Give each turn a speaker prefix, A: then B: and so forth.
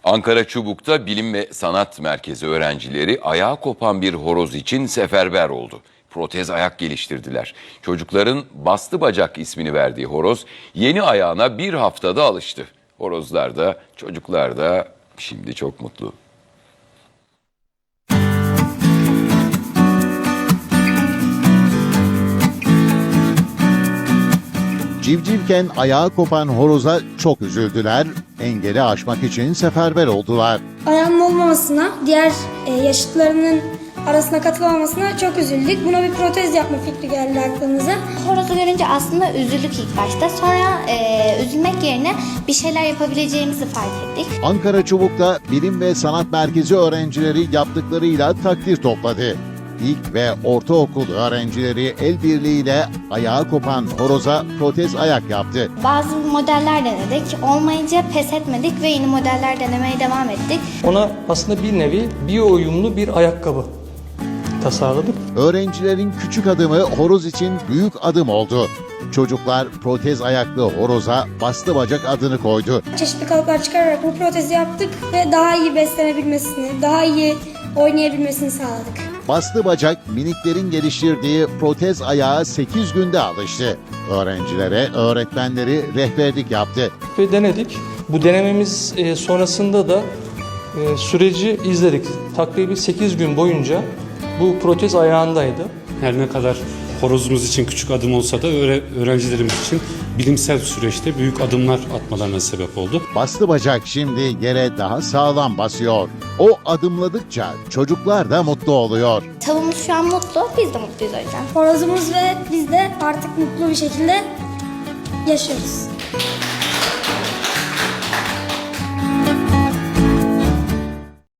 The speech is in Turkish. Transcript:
A: Ankara Çubuk'ta Bilim ve Sanat Merkezi öğrencileri ayağı kopan bir horoz için seferber oldu. Protez ayak geliştirdiler. Çocukların bastı bacak ismini verdiği horoz yeni ayağına bir haftada alıştı. Horozlar da çocuklar da şimdi çok mutlu.
B: Civcivken ayağı kopan horoza çok üzüldüler, engeli aşmak için seferber oldular.
C: Ayağının olmamasına, diğer yaşıtlarının arasına katılamamasına çok üzüldük. Buna bir protez yapma fikri geldi aklımıza.
D: Horozu görünce aslında üzüldük ilk başta. Sonra üzülmek yerine bir şeyler yapabileceğimizi fark ettik.
B: Ankara Çubuk'ta Bilim ve Sanat Merkezi öğrencileri yaptıklarıyla takdir topladı. İlk ve ortaokul öğrencileri el birliğiyle ayağı kopan horoza protez ayak yaptı.
D: Bazı modeller denedik. Olmayınca pes etmedik ve yeni modeller denemeye devam ettik.
E: Ona aslında bir nevi biyo uyumlu bir ayakkabı tasarladık.
B: Öğrencilerin küçük adımı horoz için büyük adım oldu. Çocuklar protez ayaklı horoza bastı bacak adını koydu.
C: Çeşitli kalıplar çıkararak bu protezi yaptık ve daha iyi beslenebilmesini, daha iyi oynayabilmesini sağladık.
B: Bastı bacak miniklerin geliştirdiği protez ayağa 8 günde alıştı. Öğrencilere öğretmenleri rehberlik yaptı.
E: Ve denedik. Bu denememiz sonrasında da süreci izledik. Takribi 8 gün boyunca bu protez ayağındaydı.
F: Her ne kadar horozumuz için küçük adım olsa da öğrencilerimiz için bilimsel süreçte büyük adımlar atmalarına sebep oldu.
B: Bastı bacak şimdi yere daha sağlam basıyor. O adımladıkça çocuklar da mutlu oluyor.
D: Tavuğumuz şu an mutlu, biz de mutluyuz o yüzden.
C: Horozumuz ve biz de artık mutlu bir şekilde yaşıyoruz.